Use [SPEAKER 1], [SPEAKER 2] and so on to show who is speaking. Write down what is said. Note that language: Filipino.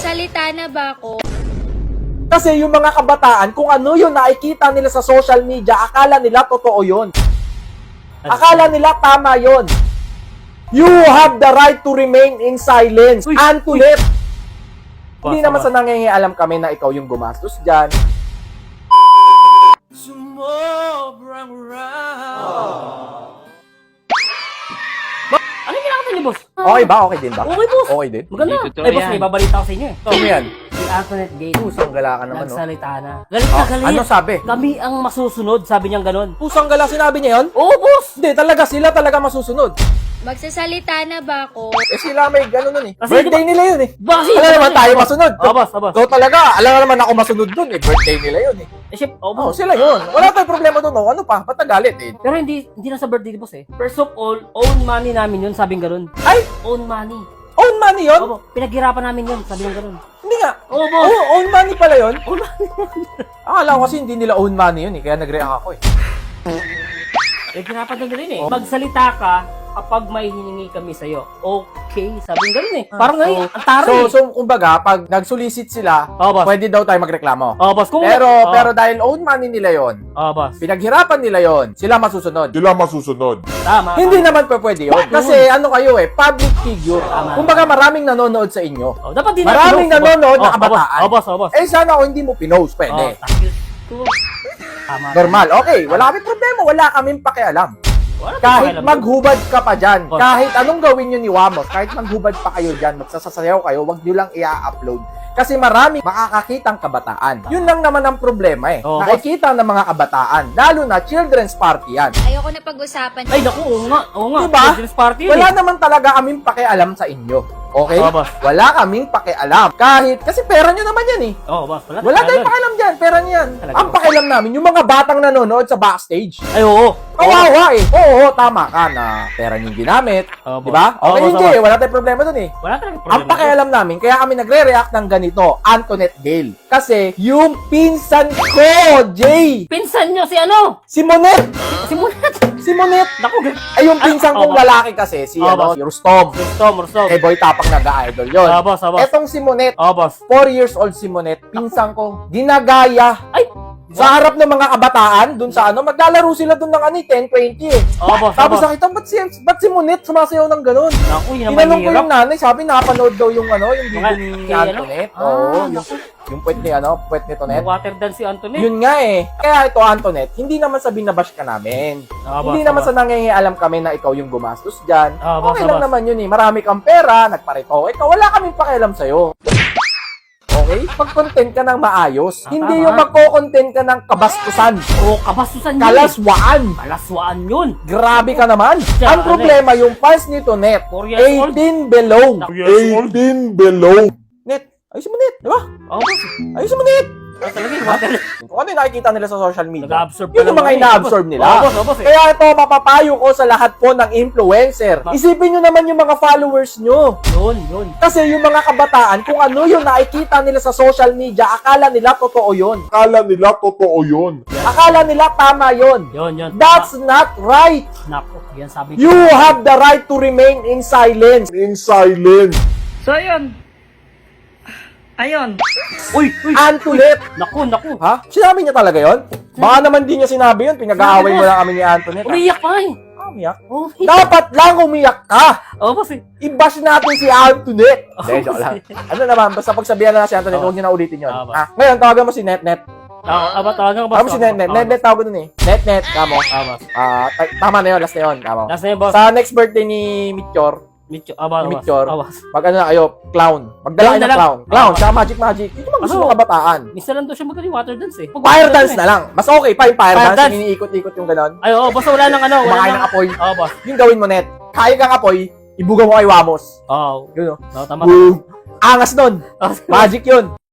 [SPEAKER 1] Magsasalita na ba ako?
[SPEAKER 2] Kasi yung mga kabataan, kung ano yung nakikita nila sa social media, akala nila totoo yun. Akala nila tama yun. You have the right to remain in silence.
[SPEAKER 3] Uy,
[SPEAKER 2] And to let. Hindi
[SPEAKER 3] Basta
[SPEAKER 2] naman
[SPEAKER 3] ba?
[SPEAKER 2] sa nangingialam kami na ikaw yung gumastos dyan.
[SPEAKER 3] Ano yung kinakanta niyo, boss?
[SPEAKER 2] Okay ba? Okay din ba?
[SPEAKER 3] Okay, boss.
[SPEAKER 2] Okay din?
[SPEAKER 3] Maganda.
[SPEAKER 4] Totoo
[SPEAKER 3] Ay, boss,
[SPEAKER 4] yan.
[SPEAKER 3] may babalita ko sa inyo eh.
[SPEAKER 2] Ano yan?
[SPEAKER 3] Si Antoinette Gate.
[SPEAKER 2] Pusang gala ka naman, no?
[SPEAKER 3] Nagsalita na. Galit na galit.
[SPEAKER 2] Ano sabi?
[SPEAKER 3] Kami ang masusunod, sabi niyang ganun.
[SPEAKER 2] Pusang gala, sinabi niya yun?
[SPEAKER 3] Oo, boss.
[SPEAKER 2] Hindi, talaga sila talaga masusunod.
[SPEAKER 1] Magsasalita na ba ako?
[SPEAKER 2] Eh sila may gano'n nun eh.
[SPEAKER 3] Kasi
[SPEAKER 2] Birthday nila yun eh.
[SPEAKER 3] Bakit?
[SPEAKER 2] Alam naman tayo masunod.
[SPEAKER 3] Oo, boss. Oo, boss.
[SPEAKER 2] So talaga, alam naman ako masunod dun eh. Birthday nila yun eh.
[SPEAKER 3] Eh, syempre, oo,
[SPEAKER 2] Oh,
[SPEAKER 3] boss.
[SPEAKER 2] sila yun. Wala tayong problema dun. Oh. Ano pa? Ba't nagalit eh?
[SPEAKER 3] Pero hindi na sa birthday ni boss eh. First of all, own money namin yun, sabing ganun.
[SPEAKER 2] Ay!
[SPEAKER 3] Own money.
[SPEAKER 2] Own money yun?
[SPEAKER 3] Oo, pinaghirapan namin yun, sabi ng ganun.
[SPEAKER 2] Hindi nga.
[SPEAKER 3] Oo, boss.
[SPEAKER 2] Oh, own money pala yun?
[SPEAKER 3] Own money.
[SPEAKER 2] Akala ko kasi hindi nila own money yun eh. Kaya nag-react ako eh.
[SPEAKER 3] Pinaghirapan na rin eh. Magsalita ka kapag may hiningi kami sa'yo. Okay, sabing ganun eh. Parang ngayon, ang taro eh.
[SPEAKER 2] So, kumbaga, pag nag-solicit sila,
[SPEAKER 3] Oo, boss.
[SPEAKER 2] pwede daw tayo magreklamo.
[SPEAKER 3] Oo, boss. Kung
[SPEAKER 2] Pero dahil own money nila yon,
[SPEAKER 3] Oo, boss.
[SPEAKER 2] pinaghirapan nila yon, sila masusunod.
[SPEAKER 3] Tama.
[SPEAKER 2] Hindi naman pa pwede yun. Kasi ano kayo eh, public figure.
[SPEAKER 3] Tama.
[SPEAKER 2] Kumbaga maraming nanonood sa inyo.
[SPEAKER 3] Oh, dapat din
[SPEAKER 2] Maraming nanonood na kabataan.
[SPEAKER 3] Oo, boss. Oo, boss.
[SPEAKER 2] Eh sana kung hindi mo pinost, pwede.
[SPEAKER 3] Tama.
[SPEAKER 2] Normal. Okay, wala kaming problema. Wala kaming pakialam. Kahit maghubad ka pa dyan,
[SPEAKER 3] Oh.
[SPEAKER 2] kahit anong gawin nyo ni Wamos, kahit maghubad pa kayo dyan, magsasasayaw kayo, wag nyo lang i-upload. Kasi marami makakakitang kabataan. Yun lang naman ang problema eh.
[SPEAKER 3] Oh,
[SPEAKER 2] Nakikita ng mga kabataan, lalo na children's party yan.
[SPEAKER 1] Ayoko na pag-usapan.
[SPEAKER 3] Ay, naku, oo nga. Oo nga.
[SPEAKER 2] Diba?
[SPEAKER 3] Children's party yun
[SPEAKER 2] Wala
[SPEAKER 3] eh.
[SPEAKER 2] naman talaga kaming pakialam sa inyo. Okay?
[SPEAKER 3] Oo, boss.
[SPEAKER 2] Wala kaming pakialam. Kahit, kasi pera nyo naman yan eh.
[SPEAKER 3] Oo, boss.
[SPEAKER 2] Wala tayong pakialam dyan. Pera nyo yan.
[SPEAKER 3] Talaga,
[SPEAKER 2] Ang
[SPEAKER 3] boss.
[SPEAKER 2] pakialam namin, yung mga batang nanonood sa backstage.
[SPEAKER 3] Ay, oo.
[SPEAKER 2] Kawawa eh. Oo, tama ka na pera nyo ginamit.
[SPEAKER 3] Oo,
[SPEAKER 2] Di ba?
[SPEAKER 3] boss. Oo,
[SPEAKER 2] Okay,
[SPEAKER 3] boss,
[SPEAKER 2] hindi
[SPEAKER 3] oo.
[SPEAKER 2] eh. Wala tayong problema dun eh.
[SPEAKER 3] Wala talaga
[SPEAKER 2] Ang
[SPEAKER 3] problema.
[SPEAKER 2] pakialam namin, kaya kami nagre-react ng ganito, Antoinette Gale. Kasi yung pinsan ko, Jay,
[SPEAKER 3] Pinsan nyo si ano?
[SPEAKER 2] si Monet,
[SPEAKER 3] Si Munat.
[SPEAKER 2] si Monet.
[SPEAKER 3] Naku,
[SPEAKER 2] Ay, yung pinsan
[SPEAKER 3] oo,
[SPEAKER 2] kong
[SPEAKER 3] boss.
[SPEAKER 2] lalaki kasi, si,
[SPEAKER 3] Oo,
[SPEAKER 2] ano,
[SPEAKER 3] boss.
[SPEAKER 2] si Rustom.
[SPEAKER 3] Rustom.
[SPEAKER 2] Eh, boy tapang nag-idol yun.
[SPEAKER 3] Oo, boss. Oo, boss.
[SPEAKER 2] Etong si Monet,
[SPEAKER 3] Oo, boss.
[SPEAKER 2] 4 years old si Monet, pinsan ko, ginagaya.
[SPEAKER 3] Ay!
[SPEAKER 2] Sa harap ng mga kabataan, dun sa ano, maglalaro sila dun ng 10, 20 eh.
[SPEAKER 3] Oo, boss.
[SPEAKER 2] Tapos
[SPEAKER 3] Oo, boss.
[SPEAKER 2] nakita, ba't si Monet sumasayaw ng ganun?
[SPEAKER 3] Naku, yun ang
[SPEAKER 2] Tinanong ko
[SPEAKER 3] mahirap.
[SPEAKER 2] yung nanay, sabi napanood daw yung ano, yung video
[SPEAKER 3] Mga-
[SPEAKER 2] ni
[SPEAKER 3] kay ano?
[SPEAKER 2] Antoinette.
[SPEAKER 3] Ah,
[SPEAKER 2] Oo,
[SPEAKER 3] naku.
[SPEAKER 2] yung puwet ni ano, puwet ni Tonet.
[SPEAKER 3] Water dance si Antoinette.
[SPEAKER 2] Yun nga eh. Kaya ito, Antoinette, hindi naman sa binabash ka namin.
[SPEAKER 3] Oo, boss.
[SPEAKER 2] Hindi
[SPEAKER 3] Oo,
[SPEAKER 2] naman
[SPEAKER 3] boss.
[SPEAKER 2] sa nangingialam kami na ikaw yung gumastos dyan.
[SPEAKER 3] Oo, boss.
[SPEAKER 2] Okay
[SPEAKER 3] Oo,
[SPEAKER 2] lang
[SPEAKER 3] boss.
[SPEAKER 2] naman yun eh. Marami kang pera, nagparito. Ikaw, wala kaming pakialam sa'yo. Okay? Pag-content ka ng maayos. Hindi
[SPEAKER 3] tama.
[SPEAKER 2] yung magko-content ka ng kabastusan.
[SPEAKER 3] Oo, kabastusan yun.
[SPEAKER 2] Kalaswaan.
[SPEAKER 3] Kalaswaan yun.
[SPEAKER 2] Grabe ka naman.
[SPEAKER 3] Siya,
[SPEAKER 2] Ang problema, yung fans ni Tonet,
[SPEAKER 3] 4 years old.
[SPEAKER 2] 18 below.
[SPEAKER 4] 18 below.
[SPEAKER 2] Net, ayusin mo net, di ba?
[SPEAKER 3] Oo, boss.
[SPEAKER 2] Ayusin mo net.
[SPEAKER 3] Ah, talaga yung water.
[SPEAKER 2] Kung ano yung nakikita nila sa social media,
[SPEAKER 3] Nag-absorb
[SPEAKER 2] yun yung mga
[SPEAKER 3] eh.
[SPEAKER 2] ina-absorb nila.
[SPEAKER 3] Oo, boss. Oo, boss.
[SPEAKER 2] Kaya ito, mapapayo ko sa lahat po ng influencer. Isipin nyo naman yung mga followers nyo.
[SPEAKER 3] Yun.
[SPEAKER 2] Kasi yung mga kabataan, kung ano yung nakikita nila sa social media, akala nila totoo yun.
[SPEAKER 4] Akala nila totoo yun.
[SPEAKER 2] Akala nila tama yun.
[SPEAKER 3] Yun.
[SPEAKER 2] That's not right.
[SPEAKER 3] Naku, yan sabi
[SPEAKER 2] You have the right to remain in silence.
[SPEAKER 4] In silence.
[SPEAKER 5] So, ayun. Ayun.
[SPEAKER 3] Uy.
[SPEAKER 2] Antoinette.
[SPEAKER 3] Naku.
[SPEAKER 2] Ha? Sinabi niya talaga yon? Baka naman di niya sinabi yun. Pinag-aaway mo lang kami ni Antoinette.
[SPEAKER 3] Umiyak pa eh.
[SPEAKER 2] Umiyak?
[SPEAKER 3] Oh,
[SPEAKER 2] Dapat lang umiyak ka.
[SPEAKER 3] boss eh.
[SPEAKER 2] I-bash natin si Antoinette.
[SPEAKER 3] Oh,
[SPEAKER 2] Hindi, joke lang. Ano naman, basta pagsabihan na si Antoinette, huwag niyo na ulitin yun.
[SPEAKER 3] Ah, ba.
[SPEAKER 2] Ngayon, tawagan mo si Netnet.
[SPEAKER 3] Tawagan ko, boss.
[SPEAKER 2] Tawagan mo si Netnet. Netnet, tawagan nun eh. Netnet, kamo.
[SPEAKER 3] boss.
[SPEAKER 2] Tama na yun, last na yun, kamo.
[SPEAKER 3] Last na yun, boss.
[SPEAKER 2] Sa next birthday ni Mitchor,
[SPEAKER 3] Mitchor.
[SPEAKER 2] Mitchor.
[SPEAKER 3] Boss.
[SPEAKER 2] mag ano na kayo, clown. Magdala kayo ng
[SPEAKER 3] Clown na
[SPEAKER 2] clown.
[SPEAKER 3] lang.
[SPEAKER 2] Clown,
[SPEAKER 3] Ah.
[SPEAKER 2] tsaka magic. Ito mga gusto
[SPEAKER 3] Ano?
[SPEAKER 2] ng kabataan.
[SPEAKER 3] Minsan lang daw siya magaling water dance eh.
[SPEAKER 2] Fire dance na lang. Mas okay pa yung fire
[SPEAKER 3] Fire
[SPEAKER 2] dance.
[SPEAKER 3] dance.
[SPEAKER 2] Yung iniikot-ikot yung ganon.
[SPEAKER 3] Ay, oo, basta wala nang ano.
[SPEAKER 2] Kumakain ng apoy.
[SPEAKER 3] Oo, boss.
[SPEAKER 2] Yung gawin mo, Net. Kaya kang apoy, ibuga mo kay Wamos.
[SPEAKER 3] Oo.
[SPEAKER 2] Yun o.
[SPEAKER 3] Tama.
[SPEAKER 2] Boom. Angas nun.
[SPEAKER 3] Oh,
[SPEAKER 2] Magic yun.